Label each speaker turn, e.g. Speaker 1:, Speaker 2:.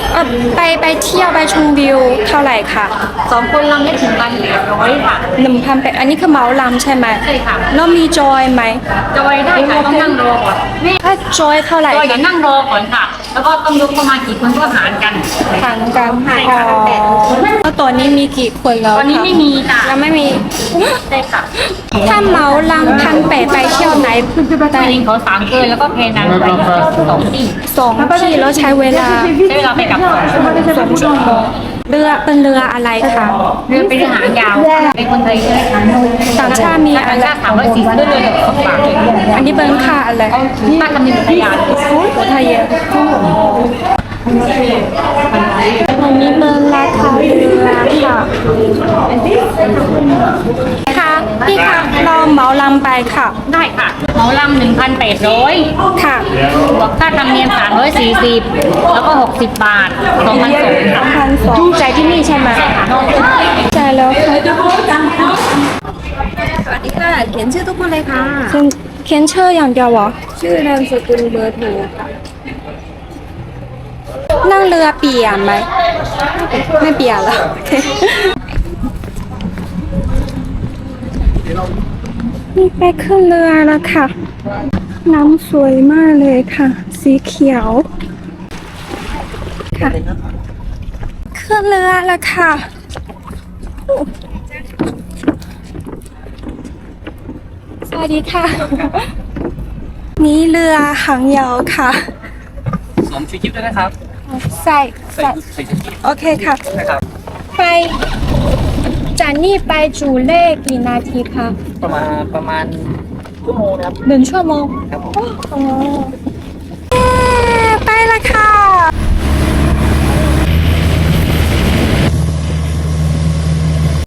Speaker 1: ไปเที่ยวไปชมวิวเท่าไหร่คะ
Speaker 2: 2 คนลำได้ถึง1,800ค่ะ
Speaker 1: 1,800อันนี้คือเหมาลำใช่ไหม
Speaker 2: ใช่ค่ะ
Speaker 1: แล้วมีจอยไหม
Speaker 2: จอยได้ค่ะต้องนั่งรอก่อนนี่
Speaker 1: ถ้าจอยเท่าไหร่
Speaker 2: จอยเดี๋ยวนั่งรอก่อนค่ะ แล้วก็ต้องยกประมาณกี่คนก็หารกัน
Speaker 1: ทางกัน
Speaker 2: ใช่
Speaker 1: อ๋อ
Speaker 2: ค่ะ
Speaker 1: แล้วตอนนี้มีกี่คนแล้ว
Speaker 2: ตอนนี้
Speaker 1: คะ
Speaker 2: ไม่มีค่ะ
Speaker 1: ยังไม่มี
Speaker 2: ใช่ค่ะ
Speaker 1: ถ้าเหมาลำ1,800ไปเที่ยวไหน
Speaker 2: ตอนนี้เขา3เกินแล้วก็เพนางไป2 ที่
Speaker 1: 2 ที่แล้วใช้เวลา
Speaker 2: ใช้เวลาไปกับ2 ชั่วโมง
Speaker 1: เรือเป็นเรืออะไรคะ
Speaker 2: เรือเป็นหางยาวเป็นคนไทยใช่ไหมคะ
Speaker 1: ต่างชาติมี
Speaker 2: ต่า
Speaker 1: อะ
Speaker 2: ง
Speaker 1: ไร
Speaker 2: ชาติ340ด้วยเลยกับ2 บาท
Speaker 1: อันนี้เป็นค่าอะไร
Speaker 2: ค่าธรรมเนียมอุทยาน
Speaker 1: ไทยอะอันนี้เป็นราคาเรือค่ะค่ะพี่คะเราเหมาลำไปค่ะ
Speaker 2: ได้ค่ะเหมาลำ1,800
Speaker 1: ค่ะ
Speaker 2: บวกค่าธรรมเนียม340แล้วก็60 บาท2,200ค่ะ
Speaker 1: 2,200ใจายที่นี่ใช่ไหมจ่ายแล้วค่ะ
Speaker 3: สวัสดีค่ะ เขียนชื่อทุกคนเลยค่ะ
Speaker 1: เขียนชื่ออย่างเดียวเหรอ
Speaker 3: ชื่อนามสกุลเบอร์โทรค่ะ
Speaker 1: นั่งเรือเปียกไหมไม่เปียกแล้วโอเคนี่ไปขึ้นเรือแล้วค่ะ น้ำสวยมากเลยค่ะ สีเขียวค่ะขึ้นเรือแล้วค่ะสวัสดีค่ะ นี่เรือหางยาวค่ะ
Speaker 4: สวมชูชีพด้วยนะครับ
Speaker 1: ใส่
Speaker 4: ใส่ชูชีพ
Speaker 1: โอเคค่ะ
Speaker 4: นะครับ
Speaker 1: ไปจากนี่ไปจูเล่กี่นาทีคะ
Speaker 4: ประมาณชั่วโมงนะครับ
Speaker 1: 1 ชั่วโมง
Speaker 4: ครับผม
Speaker 1: อ๋อไปละค่ะ